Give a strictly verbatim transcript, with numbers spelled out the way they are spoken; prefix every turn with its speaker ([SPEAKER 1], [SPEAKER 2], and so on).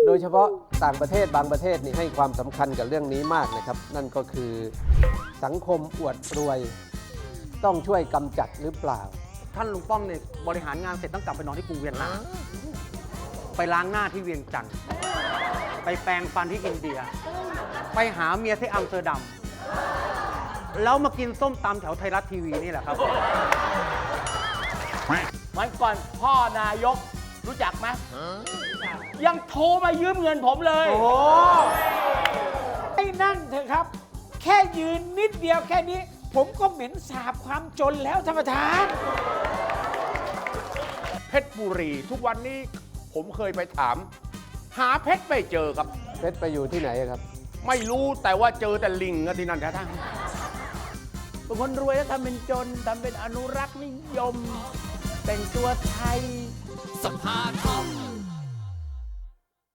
[SPEAKER 1] โดยเฉพาะต่างประเทศบางประเทศนี่ให้ความสำคัญกับเรื่องนี้มากนะครับนั่นก็คือสังคมอวดรวยต้องช่วยกำจัดหรือเปล่า
[SPEAKER 2] ท่านลุงป้อมเนี่ยบริหารงานเสร็จต้องกลับไปนอนที่กรุงเวียนนาไปล้างหน้าที่เวียงจันทร์ไปแปรงฟันที่อินเดีย ไปหาเมียที่อัมสเตอร์ดัมแล้วมากินส้มตำแถวไทยรัฐทีวีนี่แหละครับ
[SPEAKER 3] วันก่อนพ่อนายกรู้จักไหมยังโทรมายืมเงินผมเลยโอ้
[SPEAKER 4] ไอ้นั่นเถอะครับ แค่ยืนนิดเดียวแค่นี้ ผมก็เหม็นสาบความจนแล้วท่านประธาน
[SPEAKER 5] เพชรบุรีทุกวันนี้ผมเคยไปถาม หาเพชรไม่เจอครับ
[SPEAKER 1] เพชรไปอยู่ที่ไหนครับ
[SPEAKER 5] ไม่รู้แต่ว่าเจอแต่ลิงอะที่นั่นแท้
[SPEAKER 3] ๆเป็นคนรวยแล้วทำเป็นจนทำเป็นอนุรักษ์นิยมแต่งตัวไทย
[SPEAKER 6] สภาทอง